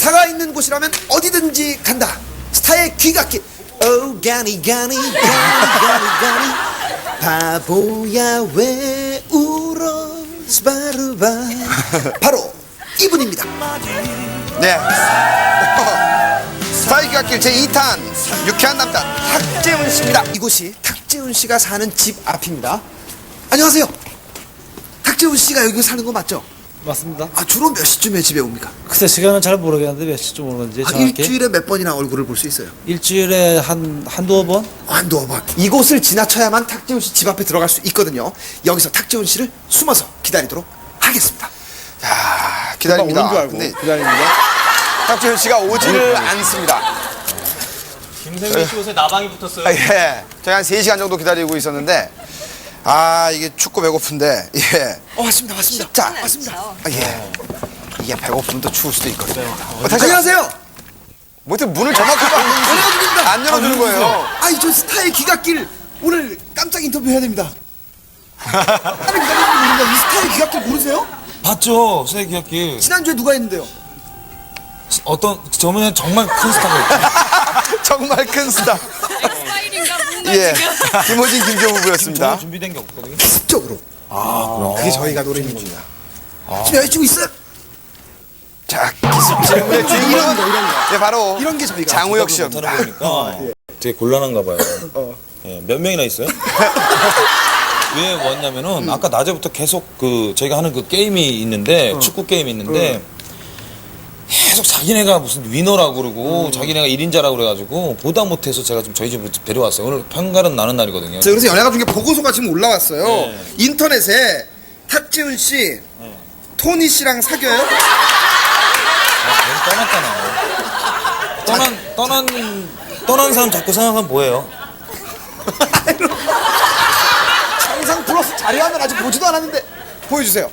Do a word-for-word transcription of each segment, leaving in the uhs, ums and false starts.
스타가 있는 곳이라면 어디든지 간다. 스타의 귀갓길. 오 가니 가니 가니 가니 가니 바보야 왜 울어 스바르바. 바로 이분입니다. 네. 스타의 귀갓길 제이 탄 유쾌한 남자 탁재훈 씨입니다. 이곳이 탁재훈 씨가 사는 집 앞입니다. 안녕하세요. 탁재훈 씨가 여기 사는 거 맞죠? 맞습니다. 아, 주로 몇 시쯤에 집에 옵니까? 글쎄 시간은 잘 모르겠는데 몇 시쯤 오는지 아, 정확히 일주일에 몇 번이나 얼굴을 볼 수 있어요? 일주일에 한 한두어 번? 한두 번. 이곳을 지나쳐야만 탁재훈 씨 집 앞에 들어갈 수 있거든요. 여기서 탁재훈 씨를 숨어서 기다리도록 하겠습니다. 자, 기다립니다. 오는 줄 알고 근데 기다립니다. 탁재훈 씨가 오지를 않습니다. 김세민 씨 옷에 나방이 붙었어요. 아, 예. 저희 한 세 시간 정도 기다리고 있었는데 아, 이게 춥고 배고픈데 예. 어, 왔습니다. 왔습니다. 자, 왔습니다. 아, 예. 이게 배고프면 또 추울 수도 있거든요. 어, 안녕하세요. 뭐 어떻게 문을 저만큼 열어드립니다. 안 열어주는 거예요. 아이, 저 스타의 귀갓길 오늘 깜짝 인터뷰 해야 됩니다. 다른 기다리는 분인데 이 스타의 귀갓길 모르세요? 봤죠, 스테이크 기억기. 지난주에 누가 했는데요? 어떤 저번에 정말 큰 스타가 있죠. 정말 큰 스타. 엑스파일인가 뭔가 예. 지금. 김호진 김조 부부였습니다. 전혀 준비된 게 없거든요. 기습적으로. 아, 그게 저희가 노리는 겁니다. 지금 여자친구 있어요? 자, 기습 질문의 주인공은 이런 거, 이런 거. 예, 바로 이런 게 저희가 장우혁 씨입니다. 못하는 거니까 되게 곤란한가 봐요. 예, 몇 명이나 있어요? 왜 왔냐면은 아까 낮에부터 계속 그 저희가 하는 그 게임이 있는데 축구 게임이 있는데 계속 자기네가 무슨 위너라고 그러고 자기네가 일 인자라고 그래가지고 보다 못해서 제가 좀 저희 집으로 데려왔어요. 오늘 평가는 나는 날이거든요. 자, 그래서 연예가 중에 보고서가 지금 올라왔어요. 인터넷에 탁재훈 씨, 토니 씨랑 사귀어요? 아, 떠났잖아. 떠난 떠난 떠난 사람 자꾸 생각하면 뭐예요? 상상 플러스 자료하면 아직 보지도 않았는데 보여주세요.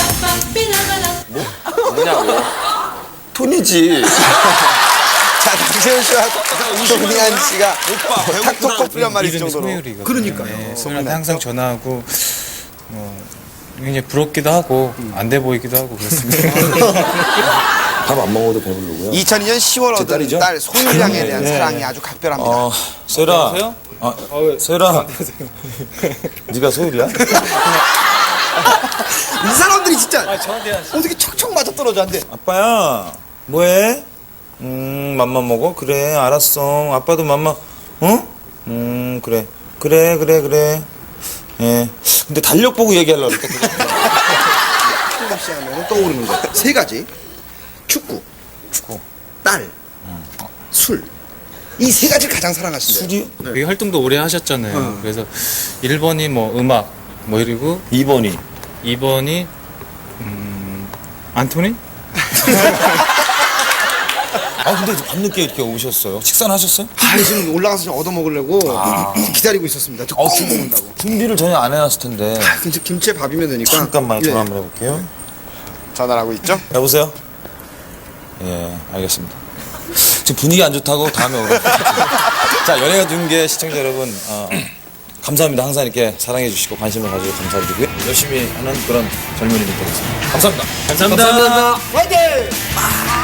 뭐냐고. 토니지. 자, 탁재훈 씨와 조민한 씨가 탁톡 커플이란 말이 있을 정도로. 소율이거든요. 그러니까요. 네, 소율한테 항상 전화하고 뭐 굉장히 부럽기도 하고 안 돼 보이기도 하고 그렇습니다. 밥 안 먹어도 배부르고요. 이천이 년 시월 얻은 딸이죠? 딸 소율양에 대한 네, 사랑이 네. 아주 각별합니다. 어, 세라. 안녕하세요? 아, 세라. 네가 소율이야? 이 사람들이 진짜 아, 저한테 어떻게 척척 맞아 떨어져 안 돼. 아빠야, 뭐해? 음, 맘만 먹어? 그래, 알았어. 아빠도 맘만, 어? 음, 그래. 그래, 그래, 그래. 예. 근데 달력 보고 얘기하려고 그랬다. 탁재훈 씨 하면 떠오르는 거 세 가지. 축구, 축구. 딸, 술. 이 세 가지를 가장 사랑하신대요. 술이? 여기 활동도 오래 하셨잖아요. 그래서 일 번이 뭐 음악 뭐 이러고 이 번이. 이 번이 음 안토니? 아, 근데 밤늦게 이렇게 오셨어요. 식사는 하셨어요? 아, 지금 올라가서 좀 얻어 먹으려고 기다리고 있었습니다. 저 꼭 먹는다고. 준비를 전혀 안 해놨을 텐데. 김치, 김치에 밥이면 되니까. 잠깐만 예. 전화 한번 해볼게요. 전화를 하고 있죠? 여보세요? 예, 알겠습니다. 지금 분위기 안 좋다고 다음에 오라. 자, 연예가 중계 시청자 여러분, 어, 감사합니다. 항상 이렇게 사랑해 주시고 관심을 가지고 감사드리고요. 열심히 하는 그런 젊은이들 되겠습니다. 감사합니다. 감사합니다. 화이팅!